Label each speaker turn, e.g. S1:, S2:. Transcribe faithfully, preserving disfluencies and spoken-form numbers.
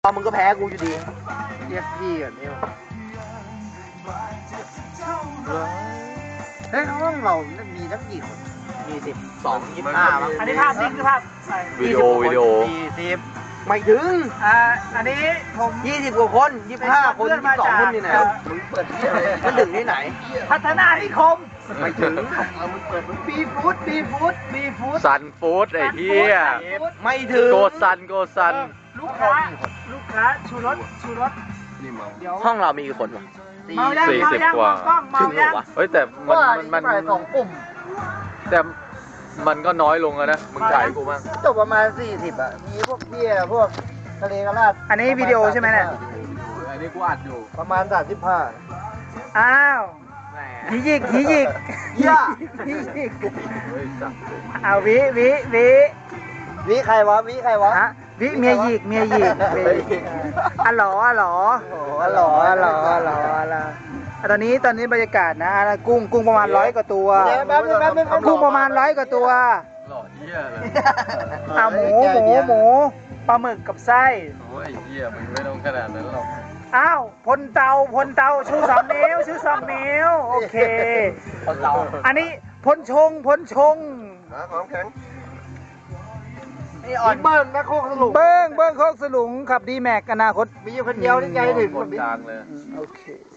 S1: ตอนมึงก็แพ้กูอยู่ดี
S2: เรียกพี่ก่อนนี่เฮ้ยห้องเรามีทั้งกี่คน
S1: มีสิบสองยี่สิบห้ามั้ง
S3: อันนี้ภาพจริงคือภาพ
S4: วิดีโอวิดีโอ
S1: สี่สิบไม่ถึง
S3: อ่าอันนี้ผม
S1: ยี่สิบกว่าคนยี่สิบห้าคนยี่สิบสองคนนี่ไหนมึงเปิดที่อะไรมันถึงที่ไหน
S3: พัฒนานิคม
S1: ไม่ถึง
S3: บีฟู้ดบีฟู้ดบีฟู้ด
S4: ซันฟู้ดไอ้เหี้ย
S1: ไม่ถึง
S4: โกซันโกซัน
S3: ลูกค้าลูกค้าชูรสชูรสเดี๋ยว
S1: ห้องเรามีกี่คนวะ
S3: เมายัง
S4: สี่
S3: เมา
S4: สิบ
S3: ยัง
S4: กว่า
S3: กล้องเมา
S1: ถึงเหร
S3: ยั
S1: อง วะ
S4: เฮ้ยแต่มันมันมัน
S2: สองกลุ่ม
S4: แต่มันก็น้อยลงแล้วนะมึงถ่ายกูบ้าง
S2: จบประมาณสี่สิบอ่ะมีพวกเบี้ยพวกทะเลกระลาด
S3: อันนี้วิดีโอใช่ไหมเนี่ย
S4: อันนี้กูอัดอยู่
S2: ประมาณสามสิบห้า
S3: อ้าวหิยิกหิยิก
S1: ย่า
S3: หิยิก
S4: เฮ้ยสัตว์
S3: เอาวิวิวิ
S2: วิใครวะวิใครวะ
S3: ฮะวิเมียหยิกเมียหยิกเมียหยิกอ๋อเหรออ๋อเหรอ
S2: โอ้โห
S3: อ๋อเหรออ๋อเหรออ๋อเหรออ๋อเหรอตอนนี้ตอนนี้บรรยากาศนะกุ้งกุ้งประมาณร้อยกว่าตัว
S2: เดี๋ยวแป๊บนึงแป๊บนึง
S3: กุ้งประมาณร้อยกว่าตัว
S4: หล่อเหี้ยเลย
S3: อ่ะหมูหมูหมูปลาหมึกกับไส้
S4: โอ้ยไอ้เหี้ยมึงไม่ต้องขนาดนั้นหรอก
S3: อ้าวพลเตาพลเตาชูสองนิ้วชูสองนิ้วโอเค
S1: คนเรา
S3: อันนี้พลชงพลชง
S2: ของแข็ง
S1: นี่อ่อน
S2: เบิ้งนะโคกสรุป
S3: เบิ้งเบิ้งโคกสลุงขับดีแม็กอนาคต
S2: มีอยู่คนเดียวนี่ไงถึง
S4: คนกลางเลย
S3: โอเค